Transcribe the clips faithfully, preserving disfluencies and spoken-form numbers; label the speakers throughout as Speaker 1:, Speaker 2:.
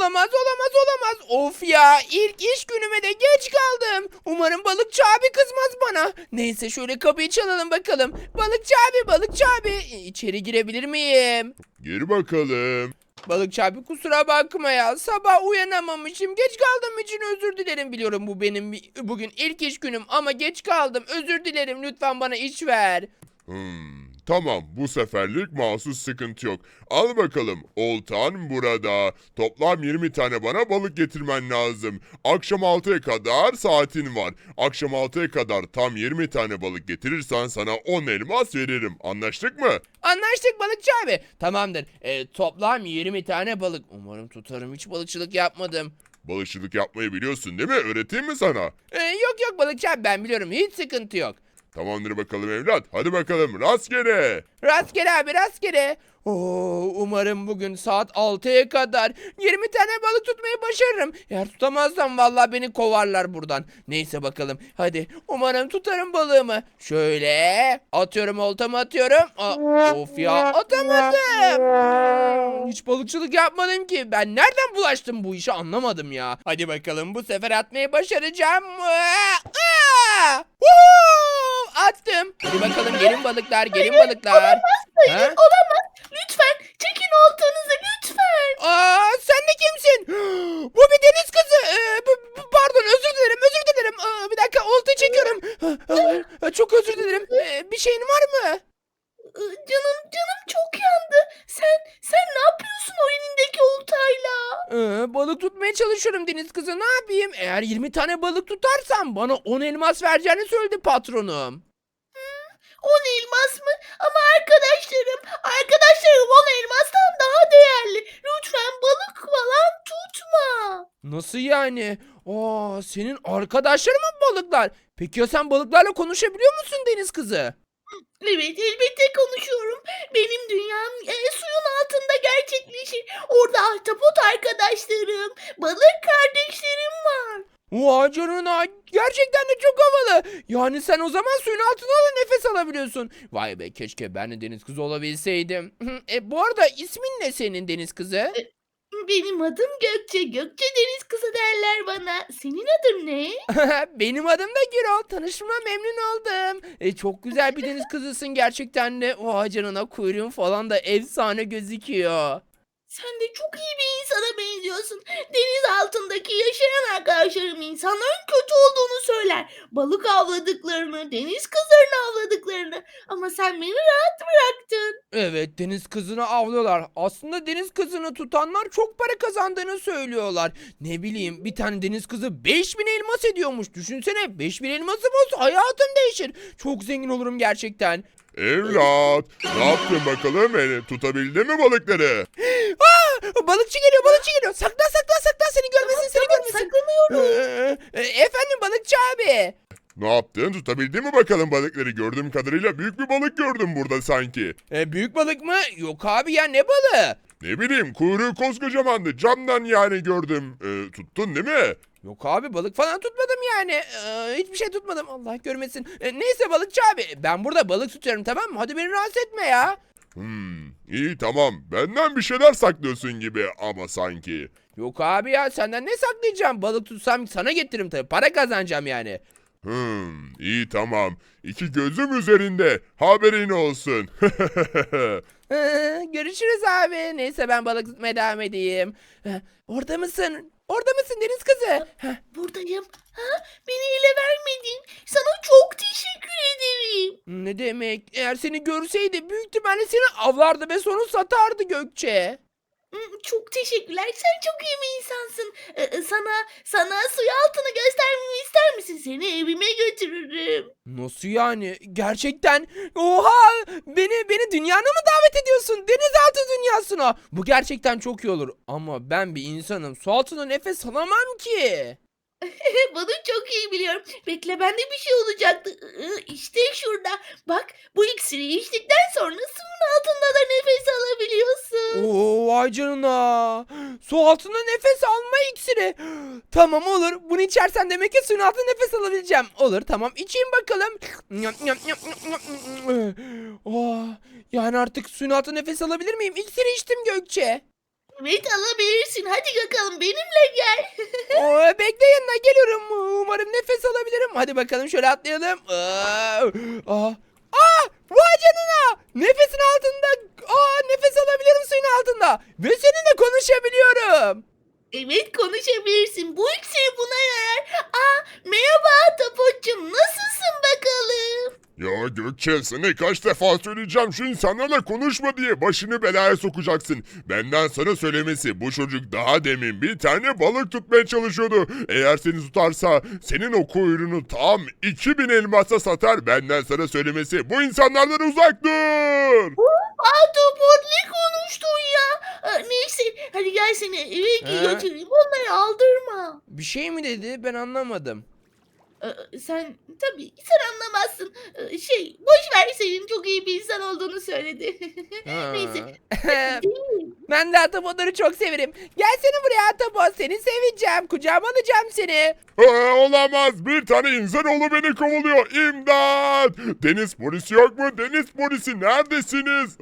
Speaker 1: Olamaz olamaz olamaz. Of ya, ilk iş günüme de geç kaldım. Umarım balıkçı abi kızmaz bana. Neyse şöyle kapıyı çalalım bakalım. Balıkçı abi, balıkçı abi. E, içeri girebilir miyim?
Speaker 2: Gir bakalım.
Speaker 1: Balıkçı abi kusura bakma ya. Sabah uyanamamışım. Geç kaldığım için özür dilerim. Biliyorum bu benim bugün ilk iş günüm ama geç kaldım. Özür dilerim. Lütfen bana iş ver.
Speaker 2: Hmm, tamam bu seferlik mahsus sıkıntı yok. Al bakalım oltan burada. Toplam yirmi tane bana balık getirmen lazım. Akşam altıya kadar saatin var. Akşam altıya kadar tam yirmi tane balık getirirsen sana on elmas veririm. Anlaştık mı?
Speaker 1: Anlaştık balıkçı abi. Tamamdır. E, toplam yirmi tane balık. Umarım tutarım. Hiç balıkçılık yapmadım.
Speaker 2: Balıkçılık yapmayı biliyorsun değil mi? Öğreteyim mi sana?
Speaker 1: E, yok yok balıkçı abi, ben biliyorum. Hiç sıkıntı yok.
Speaker 2: Tamamdır bakalım evlat. Hadi bakalım rastgele.
Speaker 1: Rastgele abi, rastgele. Oo, umarım bugün saat altıya kadar yirmi tane balık tutmayı başarırım. Eğer tutamazsam vallahi beni kovarlar buradan. Neyse bakalım. Hadi umarım tutarım balığımı. Şöyle atıyorum, oltamı atıyorum. Aa, of ya, atamadım. Hmm, Hiç balıkçılık yapmadım ki. Ben nereden bulaştım bu işe, anlamadım ya. Hadi bakalım, bu sefer atmayı başaracağım. Aa, aa! Woohoo! Attım. Hadi bakalım, gelin balıklar, gelin balıklar.
Speaker 3: Hayır,
Speaker 1: Ha?
Speaker 3: olamaz. Lütfen çekin oltanızı lütfen.
Speaker 1: Aa, sen de kimsin? Bu bir deniz kızı. Ee, b- b- pardon, özür dilerim, özür dilerim. Aa, bir dakika, olta çekiyorum. Aa, çok özür dilerim. Ee, bir şeyin var mı?
Speaker 3: Ee, Canım canım çok yandı. Sen sen ne yapıyorsun o elindeki oltayla?
Speaker 1: Ee, balık tutmaya çalışıyorum deniz kızı. Ne yapayım? Eğer yirmi tane balık tutarsam bana on elmas vereceğini söyledi patronum.
Speaker 3: On elmas mı? Ama arkadaşlarım, arkadaşlarım on elmastan daha değerli. Lütfen balık falan tutma.
Speaker 1: Nasıl yani? Aa, senin arkadaşların mı balıklar? Peki ya sen balıklarla konuşabiliyor musun deniz kızı?
Speaker 3: Evet, elbette konuşuyorum. Benim dünyam e, suyun altında gerçekleşir. Orada ahtapot arkadaşlarım, balık kardeşlerim var.
Speaker 1: Vay canına, gerçekten de çok havalı. Yani sen o zaman suyun altında da nefes alabiliyorsun. Vay be, keşke ben de deniz kızı olabilseydim. E, bu arada ismin ne senin deniz kızı?
Speaker 3: Benim adım Gökçe. Gökçe deniz kızı derler bana. Senin adın ne?
Speaker 1: Benim adım da Gürol. Tanışma memnun oldum. E, çok güzel bir deniz kızısın gerçekten de. Vay canına, kuyruğun falan da efsane gözüküyor.
Speaker 3: Sen de çok iyi bir insana benziyorsun. Deniz altındaki yaşayan arkadaşlarım insanların kötü olduğunu söyler. Balık avladıklarını, deniz kızlarını avladıklarını. Ama sen beni rahat bıraktın.
Speaker 1: Evet, deniz kızını avlıyorlar. Aslında deniz kızını tutanlar çok para kazandığını söylüyorlar. Ne bileyim, bir tane deniz kızı beş bin elmas ediyormuş. Düşünsene, beş bin elmasım olsa hayatım değişir. Çok zengin olurum gerçekten.
Speaker 2: Evlat. Ne yaptın bakalım? E, tutabildin mi balıkları?
Speaker 1: Aa, balıkçı geliyor, balıkçı geliyor. Saklan saklan saklan, seni görmesin, seni
Speaker 3: Tamam,
Speaker 1: görmesin.
Speaker 3: saklanıyorum.
Speaker 1: Ee, e, efendim balıkçı abi.
Speaker 2: Ne yaptın? Tutabildin mi bakalım balıkları? Gördüğüm kadarıyla büyük bir balık gördüm burada sanki.
Speaker 1: E, büyük balık mı? Yok abi ya, ne balığı?
Speaker 2: Ne bileyim kuyruğu koskocamandı. Camdan yani gördüm. E, tuttun değil mi?
Speaker 1: Yok abi, balık falan tutmadım yani. Ee, hiçbir şey tutmadım, Allah görmesin. E, neyse balıkçı abi, ben burada balık tutuyorum, tamam mı? Hadi beni rahatsız etme ya.
Speaker 2: Hmm, iyi tamam. Benden bir şeyler saklıyorsun gibi ama sanki.
Speaker 1: Yok abi ya, senden ne saklayacağım? Balık tutsam sana getiririm tabii. Para kazanacağım yani.
Speaker 2: Hmm, iyi tamam. İki gözüm üzerinde. Haberin olsun.
Speaker 1: Ee, görüşürüz abi. Neyse, ben balık tutmaya devam edeyim. Ee, orada mısın? Orada mısın deniz kızı? Heh,
Speaker 3: Buradayım. Ha? Beni ele vermedin. Sana çok teşekkür ederim.
Speaker 1: ne demek? Eğer seni görseydi büyük ihtimalle seni avlardı ve sonra satardı Gökçe.
Speaker 3: Hmm, Çok teşekkürler. Sen çok iyi bir insansın. Ee, e, sana sana suyu altını göstermemi ister misin? Seni evime götürürüm.
Speaker 1: Nasıl yani? Gerçekten? Oha! Beni beni dünyana mı davet ediyorsun? Denizaltı dünyasına. Bu gerçekten çok iyi olur. Ama ben bir insanım. Su altında nefes alamam ki.
Speaker 3: Bunu çok iyi biliyorum. Bekle, bende bir şey olacaktı. Iı, İşte şurada. Bak, bu iksiri içtikten sonra suyun altında da nefes alabiliyorsun.
Speaker 1: Oo, vay canına. Su altında nefes alma iksiri. Tamam, olur. Bunu içersen demek ki suyun altında nefes alabileceğim. Olur, tamam, içeyim bakalım. Oh, yani artık suyun altında nefes alabilir miyim? İksiri içtim Gökçe.
Speaker 3: Evet alabilirsin. Hadi bakalım benimle gel.
Speaker 1: Oo, bekle yanına geliyorum. Umarım nefes alabilirim. Hadi bakalım şöyle atlayalım. Aa, aa, aa, vay canına. Nefesin altında. Aa, nefes alabilirim suyun altında. Ve seninle konuşabiliyorum.
Speaker 3: Evet konuşabilirsin. Bu iksir buna yarar. Aa, merhaba Ahtapot'cum. Nasılsın bakalım?
Speaker 2: Ya Gökçe sana kaç defa söyleyeceğim şu insanlarla konuşma diye başını belaya sokacaksın. Benden sana söylemesi bu çocuk daha demin bir tane balık tutmaya çalışıyordu. Eğer seni tutarsa senin o kuyruğunu tam iki bin elmasa satar. Benden sana söylemesi bu insanlardan uzak dur.
Speaker 3: Ahtapot ne konuştun ya? Aa, neyse hadi gel seni eve
Speaker 1: He?
Speaker 3: götüreyim. Onları aldırma.
Speaker 1: Bir şey mi dedi? Ben anlamadım.
Speaker 3: Ee, sen tabii sen anlamazsın. Ee, şey boş ver senin çok iyi bir insan olduğunu söyledi.
Speaker 1: Ha.
Speaker 3: Neyse.
Speaker 1: Ben de Atabotları çok severim. Gelsene buraya Atabot. Seni seveceğim. Kucağıma alacağım seni.
Speaker 2: Aa, olamaz bir tane insanoğlu beni kovalıyor. İmdat. Deniz polisi yok mu? Deniz polisi neredesiniz?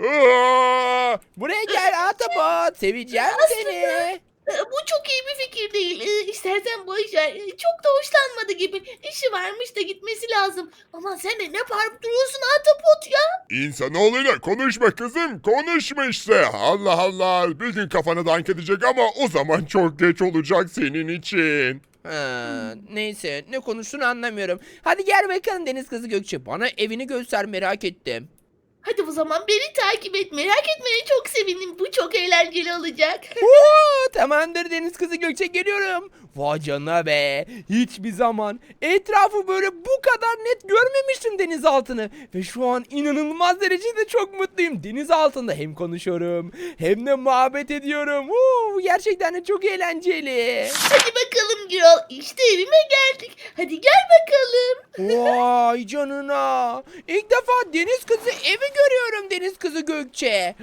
Speaker 2: Aa!
Speaker 1: Buraya gel Atabot. Seveceğim seni.
Speaker 3: Ee, Bu çok iyi bir fikir değil. Ee, İstersen boş ver. Ee, Çok da hoşlanmadı gibi. İşi varmış da gitmesi lazım. Ama sen de ne bağırıp duruyorsun Ahtapot ya?
Speaker 2: İnsanoğluyla konuşma kızım. Konuşma işte. Allah Allah. Bir gün kafana dank edecek ama o zaman çok geç olacak senin için.
Speaker 1: Ha, neyse ne konuştuğunu anlamıyorum. Hadi gel bakalım Deniz Kızı Gökçe. Bana evini göster merak ettim.
Speaker 3: Hadi o zaman beni takip et. Merak etmeye çok sevindim. Bu çok eğlenceli olacak.
Speaker 1: Oo, tamamdır Deniz Kızı Gökçe geliyorum. Vay canına be. Hiçbir zaman etrafı böyle bu kadar net görmemiştim deniz altını. Ve şu an inanılmaz derecede çok mutluyum. Deniz altında hem konuşuyorum hem de muhabbet ediyorum. Oo, gerçekten de çok eğlenceli.
Speaker 3: Hadi bakalım Gürol. İşte evime geldik. Hadi gel bakalım.
Speaker 1: Vay canına. İlk defa deniz kızı evi görüyorum deniz kızı Gökçe.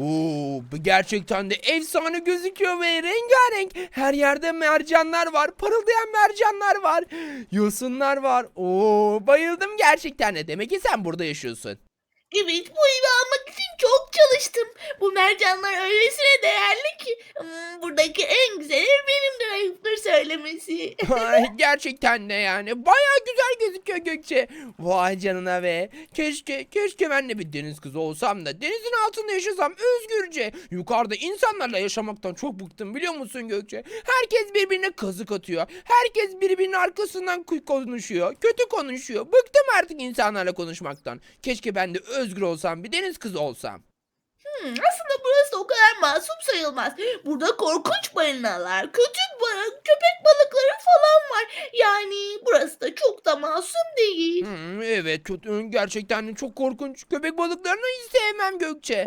Speaker 1: Oo, bu gerçekten de efsane gözüküyor ve rengarenk. Her yerde mercanlar var. Parıldayan mercanlar var. Yosunlar var. Oo, bayıldım gerçekten de. Demek ki sen burada yaşıyorsun.
Speaker 3: Evet bu evi almak için çok çalıştım. Bu mercanlar öylesine değerli ki. Hmm, buradaki en güzel ev benimdir ayıptır söylemesi.
Speaker 1: Ay, gerçekten de yani. Baya güzel gözüküyor Gökçe. Vay canına be. Keşke, keşke ben de bir deniz kızı olsam da denizin altında yaşasam özgürce. Yukarıda insanlarla yaşamaktan çok bıktım biliyor musun Gökçe? Herkes birbirine kazık atıyor. Herkes birbirinin arkasından ku- konuşuyor. Kötü konuşuyor. Bıktım artık insanlarla konuşmaktan. Keşke ben de özgür olsam, bir deniz kızı olsam.
Speaker 3: Hmm, aslında burası o kadar masum sayılmaz. Burada korkunç balinalar, kötü ba- köpek balıkları falan var. Yani burası da çok da masum değil.
Speaker 1: Hmm, evet kötü, gerçekten de çok korkunç. Köpek balıklarını hiç sevmem Gökçe.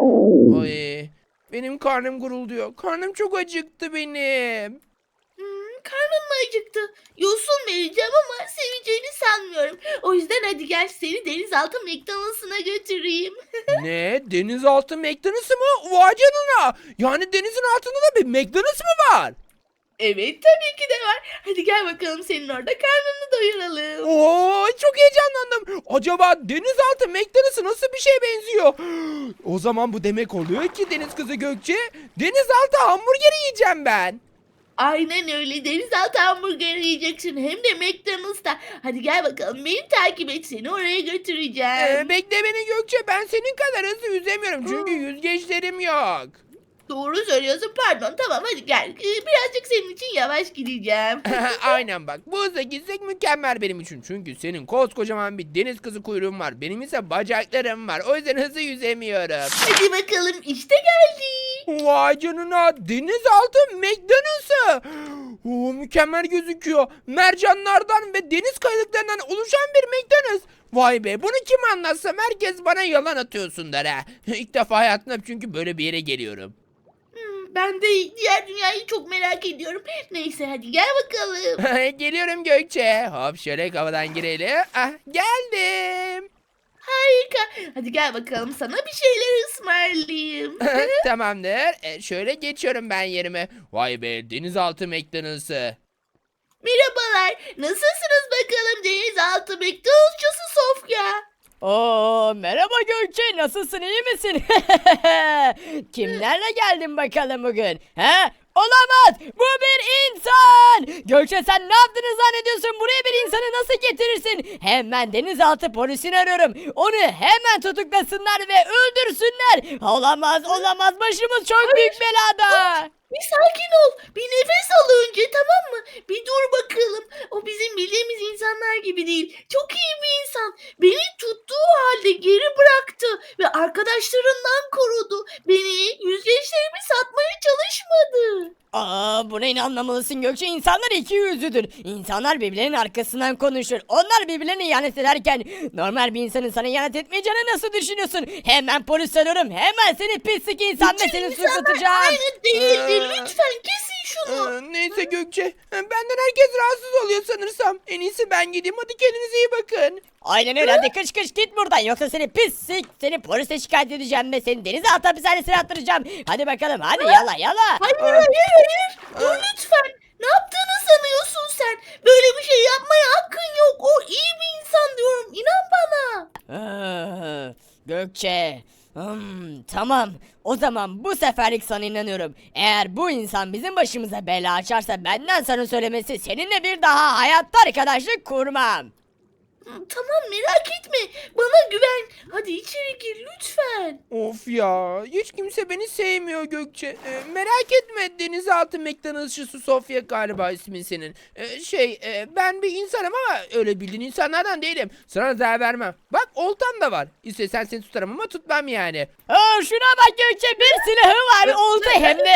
Speaker 1: Ay, benim karnım gurulduyor. Karnım çok acıktı benim.
Speaker 3: Hmm, karnın mı acıktı? Yosun vereceğim ama seveceğini sanmıyorum. O yüzden hadi gel seni denizaltı McDonald's'ına götüreyim.
Speaker 1: Ne? Denizaltı McDonald's'ı mı? Vay canına. Yani denizin altında da bir McDonald's mı var?
Speaker 3: Evet tabii ki de var. Hadi gel bakalım senin orada karnını doyuralım.
Speaker 1: Oo, çok heyecanlandım. Acaba denizaltı McDonald's'a nasıl bir şeye benziyor? O zaman bu demek oluyor ki deniz kızı Gökçe, denizaltı hamburgeri yiyeceğim ben.
Speaker 3: Aynen öyle denizaltı hamburger yiyeceksin hem de McDonald's'ta. Hadi gel bakalım beni takip et seni oraya götüreceğim.
Speaker 1: Ee, bekle beni Gökçe, ben senin kadar hızlı yüzemiyorum çünkü yüzgeçlerim yok.
Speaker 3: Doğru söylüyorsun pardon tamam hadi gel. Ee, birazcık senin için yavaş gideceğim.
Speaker 1: Aynen bak, bu hızla gitsek mükemmel benim için. Çünkü senin koskocaman bir deniz kızı kuyruğun var. Benim ise bacaklarım var. O yüzden hızlı yüzemiyorum.
Speaker 3: Hadi bakalım işte geldik.
Speaker 1: Vay canına, denizaltı McDonald's'ı. Oo, mükemmel gözüküyor. Mercanlardan ve deniz kayalıklarından oluşan bir McDonald's. Vay be, bunu kim anlatsam herkes bana yalan atıyorsun der ha. İlk defa hayatımda çünkü böyle bir yere geliyorum.
Speaker 3: Hmm, ben de diğer dünyayı çok merak ediyorum. Neyse hadi gel bakalım.
Speaker 1: Geliyorum Gökçe. Hop şöyle havadan girelim. Ah, geldim.
Speaker 3: Harika. Hadi gel bakalım sana bir şeyler ısmarlayayım.
Speaker 1: Tamamdır. E, şöyle geçiyorum ben yerime. Vay be, denizaltı McDonald's'ı.
Speaker 3: Merhabalar. Nasılsınız bakalım denizaltı McDonald'sçısı Sofya?
Speaker 4: Oo, merhaba Gökçe, nasılsın, iyi misin? Kimlerle geldin bakalım bugün? He? Olamaz, bu bir insan. Gökçe, sen ne yaptığını zannediyorsun? Buraya bir insanı nasıl getirirsin? Hemen denizaltı polisini arıyorum. Onu hemen tutuklasınlar ve öldürsünler. Olamaz, olamaz, başımız çok büyük belada.
Speaker 3: Bir sakin ol. Bir nefes al önce, tamam mı? Bir dur bakalım. O bizim bildiğimiz insanlar gibi değil. Çok iyi bir insan. Beni tuttuğu halde geri bıraktı ve arkadaşlarından korudu. Beni yüzgeçlerimi satmaya çalışmadı.
Speaker 4: Aa, buna inanmamalısın Gökçe. İnsanlar iki yüzlüdür. İnsanlar birbirlerinin arkasından konuşur. Onlar birbirlerine ihanet ederken normal bir insanın sana ihanet etmeyeceğini nasıl düşünüyorsun? Hemen polis arıyorum. Hemen seni pislik insan ve seni
Speaker 3: İnsanlar
Speaker 4: suçlatacağım.
Speaker 3: aynı değildir.
Speaker 1: Ee,
Speaker 3: Lütfen kesin şunu.
Speaker 1: Ee, neyse Gökçe, benden herkes rahatsız oluyor sanırsam. En iyisi ben gideyim, hadi kendinize iyi bakın.
Speaker 4: Aynen öyle, hadi kış kış git buradan, yoksa seni pislik, seni polise şikayet edeceğim ve seni denizaltı hapishanesine attıracağım. Hadi bakalım, hadi yala yala.
Speaker 3: Hayır hayır hayır. Dur lütfen. Ne yaptığını sanıyorsun sen? Böyle bir şey yapmaya hakkın yok. O iyi bir insan diyorum. İnan bana.
Speaker 4: Aa, Gökçe. Hmm, tamam. O zaman bu seferlik sana inanıyorum. Eğer bu insan bizim başımıza bela açarsa benden sana söylemesi, seninle bir daha hayatta arkadaşlık kurmam.
Speaker 3: Tamam, merak etme. Bana güven. Hadi içeri gir lütfen.
Speaker 1: Of ya, hiç kimse beni sevmiyor Gökçe. Ee, merak etme, denizaltı McDonald'sçısı Sofya galiba ismin senin. Ee, şey, e, ben bir insanım ama öyle bildiğin insanlardan değilim. Sana zarar vermem. Bak, oltam da var. İstesen seni tutarım ama tutmam yani.
Speaker 4: Aa, şuna bak Gökçe, bir silahı var, oldu hem de.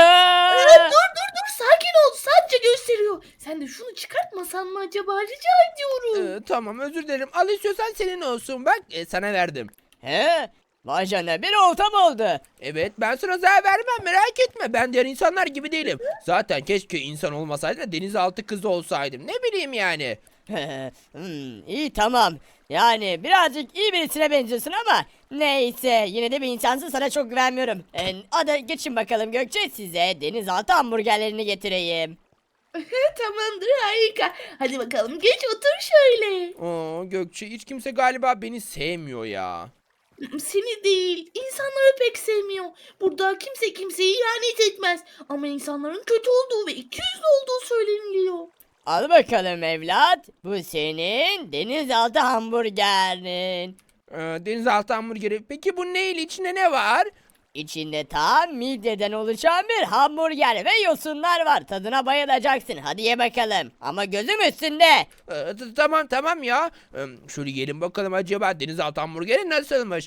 Speaker 3: Dur dur dur, sakin ol. Sadece gösteriyor. Sen de şunu çıkartmasan mı acaba? Rica ediyorum.
Speaker 1: Ee, tamam, özür dilerim. Al, istiyorsan senin olsun. Bak, e, sana verdim.
Speaker 4: He? Vay canına, bir oltam oldu.
Speaker 1: Evet, ben sana zarar vermem, merak etme. Ben diğer insanlar gibi değilim. Zaten keşke insan olmasaydı da denizaltı kızı olsaydım. Ne bileyim yani.
Speaker 4: hmm, iyi tamam. Yani birazcık iyi birisine benziyorsun ama neyse, yine de bir insansın, sana çok güvenmiyorum. Ee, hadi geçin bakalım Gökçe, size denizaltı hamburgerlerini getireyim.
Speaker 3: Tamamdır, harika. Hadi bakalım, geç otur şöyle.
Speaker 1: Oo, Gökçe, hiç kimse galiba beni sevmiyor ya.
Speaker 3: Seni değil, insanları pek sevmiyor. Burada kimse kimseye ihanet etmez. Ama insanların kötü olduğu ve ikiyüzlü olduğu söyleniliyor.
Speaker 4: Al bakalım evlat, bu senin denizaltı hamburgerin.
Speaker 1: Ee, denizaltı hamburgeri. Peki bu neyle, içinde ne var?
Speaker 4: İçinde tam midyeden oluşan bir hamburger ve yosunlar var. Tadına bayılacaksın. Hadi ye bakalım. Ama gözüm üstünde.
Speaker 1: Ee, t- tamam tamam ya. Ee, şöyle yiyelim bakalım, acaba denizaltı hamburgeri nasılmış?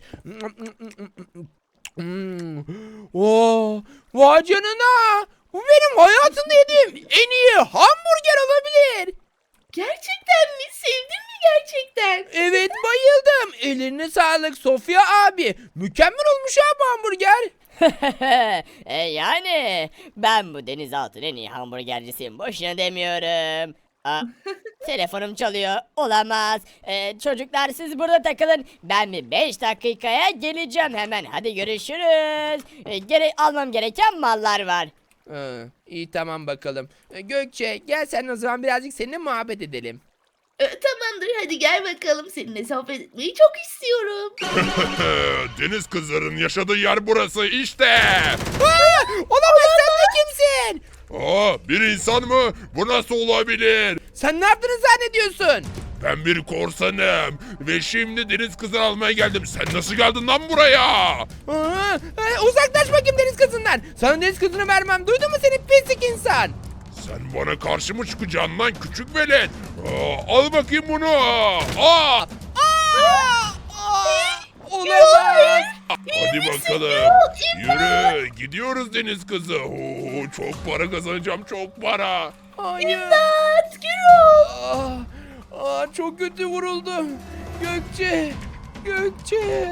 Speaker 1: Hmm. Oo, vay canına. Bu benim hayatımda yediğim en iyi hamburger olabilir.
Speaker 3: Gerçekten mi? Sevdin mi gerçekten?
Speaker 1: Evet, bayıldım. Ellerine sağlık Sofya abi. Mükemmel olmuş ha bu hamburger.
Speaker 4: e yani ben bu denizaltının en iyi hamburgercisiyim. Boşuna demiyorum. Aa, telefonum çalıyor. Olamaz. Ee, çocuklar siz burada takılın. Ben bir beş dakikaya geleceğim hemen. Hadi görüşürüz. Ee, gere almam gereken mallar var.
Speaker 1: Ee, iyi tamam bakalım. Ee, Gökçe, gel sen o zaman birazcık seninle muhabbet edelim.
Speaker 3: Ee, tamamdır, hadi gel bakalım. Seninle sohbet etmeyi çok istiyorum.
Speaker 2: Deniz kızların yaşadığı yer burası işte.
Speaker 1: Aa, olamaz, sen de kimsin?
Speaker 2: Aa, bir insan mı? Bu nasıl olabilir?
Speaker 1: Sen ne yaptığını zannediyorsun?
Speaker 2: Ben bir korsanım ve şimdi deniz kızını almaya geldim. Sen nasıl geldin lan buraya?
Speaker 1: Aa, e, uzaklaş bakayım deniz kızından. Sana deniz kızını vermem. Duydun mu seni pislik insan?
Speaker 2: Sen bana karşı mı çıkacaksın lan küçük velet? Aa, al bakayım bunu. Aa,
Speaker 1: Aa, aa, olamaz.
Speaker 2: hadi bakalım. Yürü, gidiyoruz deniz kızı. Oo, çok para kazanacağım, çok para.
Speaker 1: Hayır.
Speaker 3: İmdat, Gürol.
Speaker 1: Aa, aa, çok kötü vuruldum. Gökçe. Gökçe.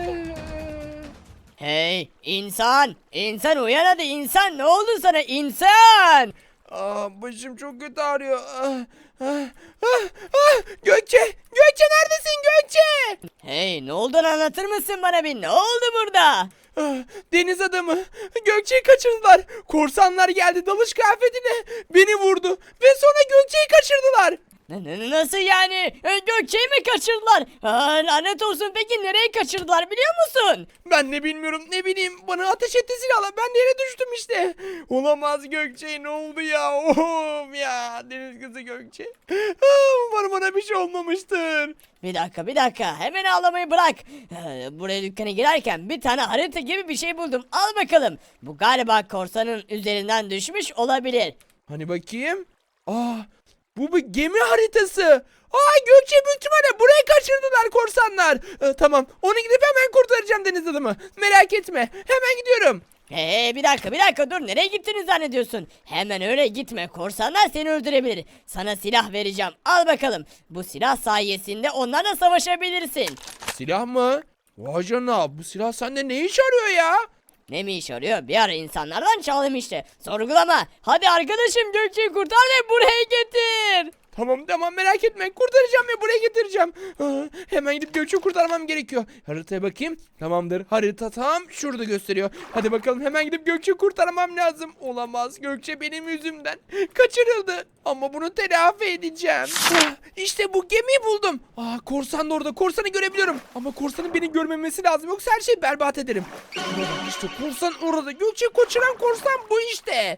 Speaker 4: Hey insan! İnsan uyan hadi, insan, ne oldu sana insan?
Speaker 1: Aa, başım çok kötü ağrıyor. Ah, ah, ah, ah. Gökçe. Gökçe, neredesin Gökçe?
Speaker 4: Hey, ne olduğunu anlatır mısın bana bir, ne oldu burada?
Speaker 1: Ah, deniz adamı. Gökçe'yi kaçırdılar. Korsanlar geldi dalış kıyafetine. Beni vurdu. Ve sonra Gökçe'yi kaçırdılar.
Speaker 4: N- n- Nasıl yani? E, Gökçe'yi mi kaçırdılar? Ha, lanet olsun, peki nereye kaçırdılar biliyor musun?
Speaker 1: Ben ne bilmiyorum, ne bileyim, bana ateş etti silahla, ben de yere düştüm işte. Olamaz Gökçe, ne oldu ya? Of ya, deniz kızı Gökçe. Ah, umarım bana bir şey olmamıştır.
Speaker 4: Bir dakika bir dakika, hemen ağlamayı bırak. Ee, Buraya dükkana girerken bir tane harita gibi bir şey buldum, al bakalım. Bu galiba korsanın üzerinden düşmüş olabilir.
Speaker 1: Hani bakayım. Aa, bu bir gemi haritası. Aa, Gökçe büyük ihtimalle buraya kaçırdılar korsanlar. Ee, tamam, onu gidip hemen kurtaracağım deniz adamı. Merak etme, hemen gidiyorum.
Speaker 4: Ee, bir dakika bir dakika dur, nereye gittiniz zannediyorsun? Hemen öyle gitme, korsanlar seni öldürebilir. Sana silah vereceğim, al bakalım. Bu silah sayesinde onlarla savaşabilirsin.
Speaker 1: Silah mı? Vay canına, bu silah sende ne iş arıyor ya?
Speaker 4: Ne mi iş arıyor? Bir ara insanlardan çaldım işte. Sorgulama. Hadi arkadaşım, Gökçe'yi kurtar ve buraya getir.
Speaker 1: Tamam tamam, merak etme, kurtaracağım ve buraya getireceğim. Aa, hemen gidip Gökçe'yi kurtarmam gerekiyor. Haritaya bakayım. Tamamdır, harita tam şurada gösteriyor. Hadi bakalım, hemen gidip Gökçe'yi kurtarmam lazım. Olamaz, Gökçe benim yüzümden kaçırıldı. Ama bunu telafi edeceğim. Ah, işte bu gemiyi buldum. Aa, korsan da orada, korsanı görebiliyorum. Ama korsanın beni görmemesi lazım, yoksa her şeyi berbat ederim. İşte korsan orada, Gökçe'yi kaçıran korsan bu işte.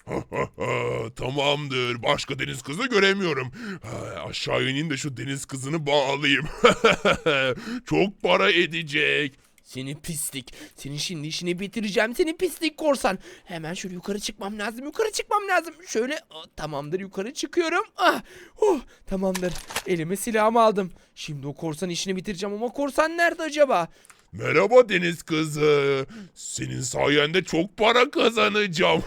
Speaker 2: Tamamdır. Başka deniz kızı göremiyorum. Ha, aşağı ineyim de şu deniz kızını bağlayayım. Çok para edecek.
Speaker 1: Seni pislik. Senin şimdi işini bitireceğim. Seni pislik korsan. Hemen şöyle yukarı çıkmam lazım. Yukarı çıkmam lazım. Şöyle ah, tamamdır, yukarı çıkıyorum. Ah, oh, tamamdır. Elime silahımı aldım. Şimdi o korsan işini bitireceğim ama korsan nerede acaba?
Speaker 2: Merhaba deniz kızı. Senin sayende çok para kazanacağım.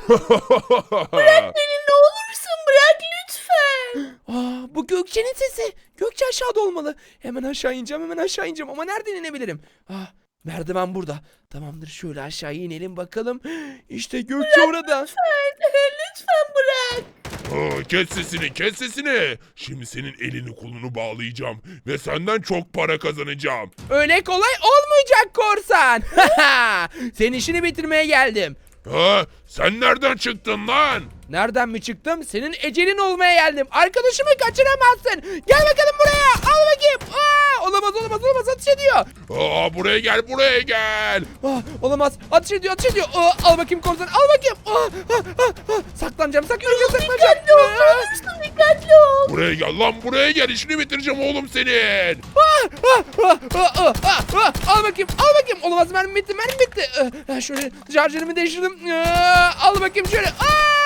Speaker 3: Beni ne olursun bırak lütfen.
Speaker 1: Aa, bu Gökçe'nin sesi. Gökçe aşağıda olmalı. Hemen aşağı ineceğim. Hemen aşağı ineceğim. Ama nereden inebilirim? Ah, merdiven burada. Tamamdır, şöyle aşağı inelim bakalım. İşte Gökçe orada.
Speaker 3: Lütfen, lütfen bırak.
Speaker 2: Aa, kes sesini, kes sesini. Şimdi senin elini kolunu bağlayacağım ve senden çok para kazanacağım.
Speaker 1: Öyle kolay olmayacak korsan. Senin işini bitirmeye geldim.
Speaker 2: Ha, sen nereden çıktın lan?
Speaker 1: Nereden mi çıktım? Senin ecelin olmaya geldim. Arkadaşımı kaçıramazsın. Gel bakalım buraya. Al bakayım. Aa, olamaz olamaz olamaz, ateş ediyor.
Speaker 2: Aa, buraya gel, buraya gel.
Speaker 1: Aa, olamaz, ateş ediyor ateş ediyor. Aa, al bakayım korsan, al bakayım. Aa, aa, aa, aa. Saklanacağım saklanacağım saklanacağım.
Speaker 3: Dikkatli ol, ne olursun dikkatli ol.
Speaker 2: Buraya gel lan, buraya gel. İşini bitireceğim oğlum senin.
Speaker 1: Aa, aa, aa, aa, aa, aa. Al bakayım al bakayım. Olamaz, mermi bitti mermi bitti. Aa, şöyle şarjörümü değiştirdim. Aa, al bakayım şöyle. Aa!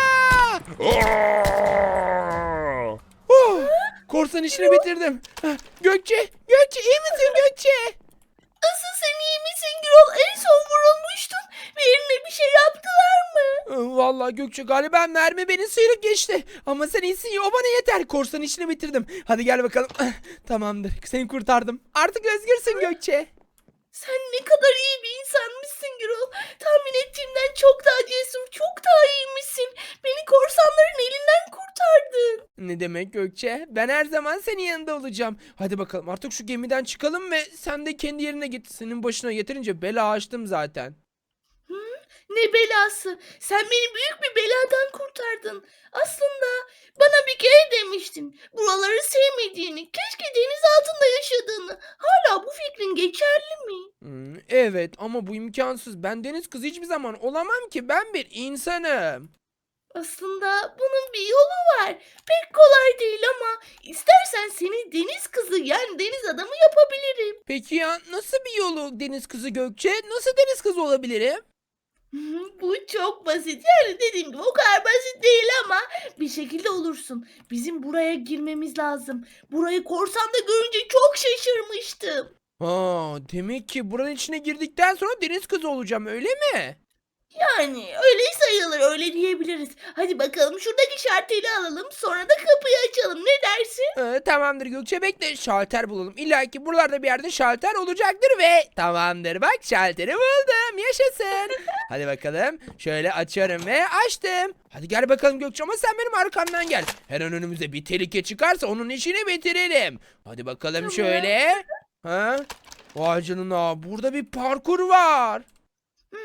Speaker 2: Aa!
Speaker 1: Oh, korsan işini bitirdim. Ha, Gökçe, Gökçe iyi misin Gökçe?
Speaker 3: Asıl sen iyi misin Gürol? En son vurulmuştun. Ve eline bir şey yaptılar mı?
Speaker 1: Ee, Vallahi Gökçe, galiba mermi beni sıyırıp geçti. Ama sen iyisin ya, o bana yeter. Korsan işini bitirdim. Hadi gel bakalım. Ah, tamamdır, seni kurtardım. Artık özgürsün Gökçe.
Speaker 3: Sen ne kadar iyi bir insanmışsın Gürol. Tahmin ettiğimden çok daha cesur, çok daha iyiymişsin. Beni korsanların elinden kurtardın.
Speaker 1: Ne demek Gökçe? Ben her zaman senin yanında olacağım. Hadi bakalım, artık şu gemiden çıkalım ve sen de kendi yerine git. Senin başına yeterince bela açtım zaten.
Speaker 3: Ne belası. Sen beni büyük bir beladan kurtardın. Aslında bana bir kere demiştin. Buraları sevmediğini, keşke deniz altında yaşadığını. Hala bu fikrin geçerli mi?
Speaker 1: Hmm, evet ama bu imkansız. Ben deniz kızı hiçbir zaman olamam ki. Ben bir insanım.
Speaker 3: Aslında bunun bir yolu var. Pek kolay değil ama istersen seni deniz kızı yani deniz adamı yapabilirim.
Speaker 1: Peki ya nasıl bir yolu deniz kızı Gökçe? Nasıl deniz kızı olabilirim?
Speaker 3: Hı, Bu çok basit. Yani dediğim gibi o kadar basit değil ama bir şekilde olursun. Bizim buraya girmemiz lazım. Burayı korsanda görünce çok şaşırmıştım.
Speaker 1: Ha, demek ki buranın içine girdikten sonra deniz kızı olacağım, öyle mi?
Speaker 3: Yani öyle sayılır, öyle diyebiliriz. Hadi bakalım şuradaki şarteli alalım, sonra da kapıyı açalım. Ne dersin?
Speaker 1: Ee, tamamdır Gökçe, bekle, şalter bulalım. İlla ki buralarda bir yerde şalter olacaktır ve tamamdır, bak şalteri buldum, yaşasın. Hadi bakalım, şöyle açıyorum ve açtım. Hadi gel bakalım Gökçe, ama sen benim arkamdan gel. Her an önümüze bir tehlike çıkarsa onun işini bitirelim. Hadi bakalım
Speaker 3: Tamam.
Speaker 1: şöyle. Ha? Vay canına, burada bir parkur var.
Speaker 3: Hmm,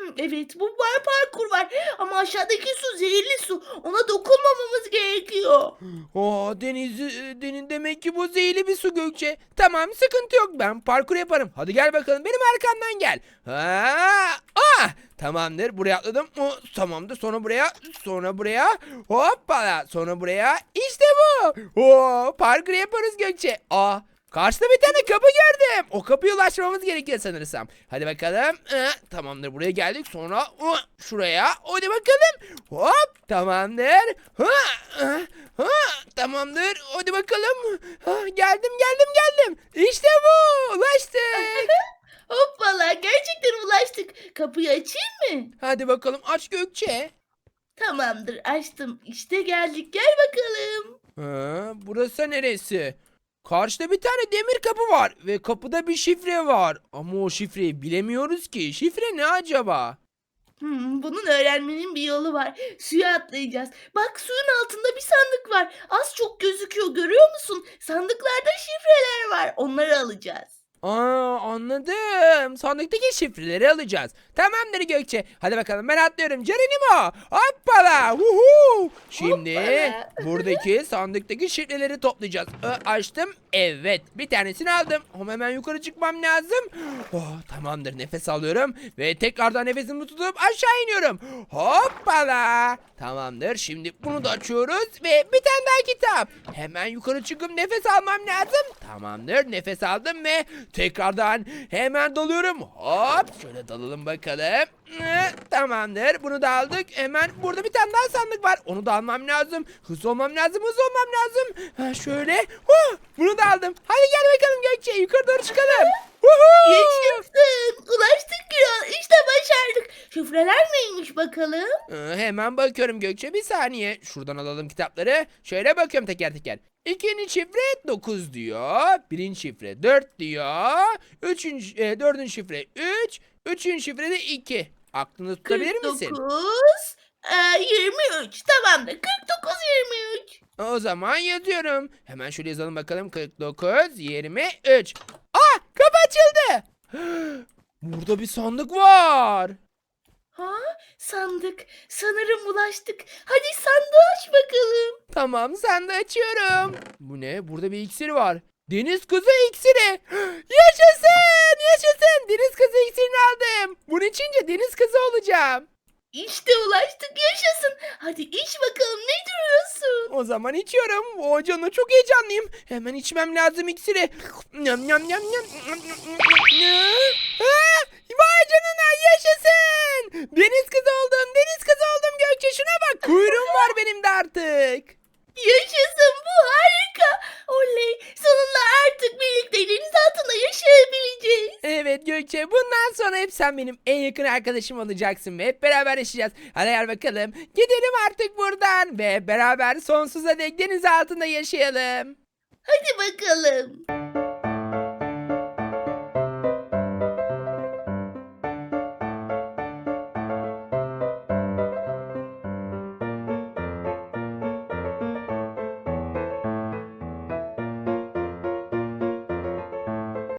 Speaker 3: Evet, bu var, parkur var ama aşağıdaki su zehirli su. Ona dokunmamamız gerekiyor.
Speaker 1: Oo, deniz, e, denin demek ki bu zehirli bir su Gökçe. Tamam, sıkıntı yok, ben parkur yaparım. Hadi gel bakalım, benim arkamdan gel. Ha, ah, tamamdır, buraya atladım. O, tamamdır, sonra buraya, sonra buraya. Hoppala, sonra buraya. İşte bu. Oo, parkur yaparız Gökçe. Aa, karşıda bir tane kapı gördüm. O kapıya ulaşmamız gerekiyor sanırsam. Hadi bakalım. Ee, tamamdır, buraya geldik. Sonra uh, şuraya. Hadi bakalım. Hop, tamamdır. Ha, ha, ha, tamamdır. Hadi bakalım. Ha, geldim geldim geldim. İşte bu. Ulaştık.
Speaker 3: Hoppala, gerçekten ulaştık. Kapıyı açayım mı?
Speaker 1: Hadi bakalım, aç Gökçe.
Speaker 3: Tamamdır, açtım. İşte geldik, gel bakalım.
Speaker 1: Ha, burası neresi? Karşıda bir tane demir kapı var ve kapıda bir şifre var. Ama o şifreyi bilemiyoruz ki. Şifre ne acaba?
Speaker 3: Hmm, bunun öğrenmenin bir yolu var. Suya atlayacağız. Bak, suyun altında bir sandık var. Az çok gözüküyor, görüyor musun? Sandıklarda şifreler var. Onları alacağız.
Speaker 1: Aa, anladım. Sandıktaki şifreleri alacağız. Tamamdır Gökçe. Hadi bakalım, ben atlıyorum. Geronimo. Hoppala. Huhu. Şimdi
Speaker 3: Hoppala.
Speaker 1: buradaki sandıktaki şifreleri toplayacağız. Ee, açtım. Evet. Bir tanesini aldım. Ama hemen yukarı çıkmam lazım. Oh, tamamdır. Nefes alıyorum. Ve tekrardan nefesimi tutup aşağı iniyorum. Hoppala. Tamamdır. Şimdi bunu da açıyoruz. Ve bir tane daha kitap. Hemen yukarı çıkıp nefes almam lazım. Tamamdır. Nefes aldım ve tekrardan hemen dalıyorum. Hop, şöyle dalalım bakalım. Ee, Tamamdır. Bunu da aldık. Hemen burada bir tane daha sandık var. Onu da almam lazım. Hızlı olmam lazım. Hızlı olmam lazım. Ha, şöyle. Huh, bunu da aldım. Hadi gel bakalım Gökçe. Yukarı doğru çıkalım. Woohoo!
Speaker 3: Yaşasın. Ulaştık ya. İşte başardık. Şifreler neymiş bakalım?
Speaker 1: Ee, hemen bakıyorum Gökçe, bir saniye. Şuradan alalım kitapları. Şöyle bakıyorum teker teker. İkinci şifre dokuz diyor. Birinci şifre dört diyor. Üçüncü, e, dördüncü şifre üç. Üçüncü şifre de iki. Aklını tutabilir misin?
Speaker 3: kırk dokuz, e, yirmi üç. Tamamdır. kırk dokuz, yirmi üç.
Speaker 1: O zaman yazıyorum. Hemen şöyle yazalım bakalım. kırk dokuz, yirmi üç. Aa, kapı açıldı. Burada bir sandık var.
Speaker 3: Ha, sandık. Sanırım ulaştık. Hadi sandığı aç bakalım.
Speaker 1: Tamam, sen de açıyorum. Bu ne? Burada bir iksir var. Deniz kızı iksiri. Yaşasın! Yaşasın! Deniz kızı iksirini aldım. Bunu içince deniz kızı olacağım.
Speaker 3: İşte ulaştık, yaşasın. Hadi iç bakalım, ne duruyorsun?
Speaker 1: O zaman içiyorum. O canına çok heyecanlıyım. Hemen içmem lazım iksiri. Nyam nyam nyam nyam. Ha, vay canına, yaşasın! Deniz kızı oldum. Deniz kızı oldum Gökçe. Şuna bak. Kuyruğum var benim de artık.
Speaker 3: Yaşasın, bu harika. Oley, sonunda artık birlikte deniz altında yaşayabileceğiz.
Speaker 1: Evet Gökçe, bundan sonra hep sen benim en yakın arkadaşım olacaksın ve hep beraber yaşayacağız. Hadi gel bakalım, gidelim artık buradan ve beraber sonsuza dek deniz altında yaşayalım.
Speaker 3: Hadi bakalım.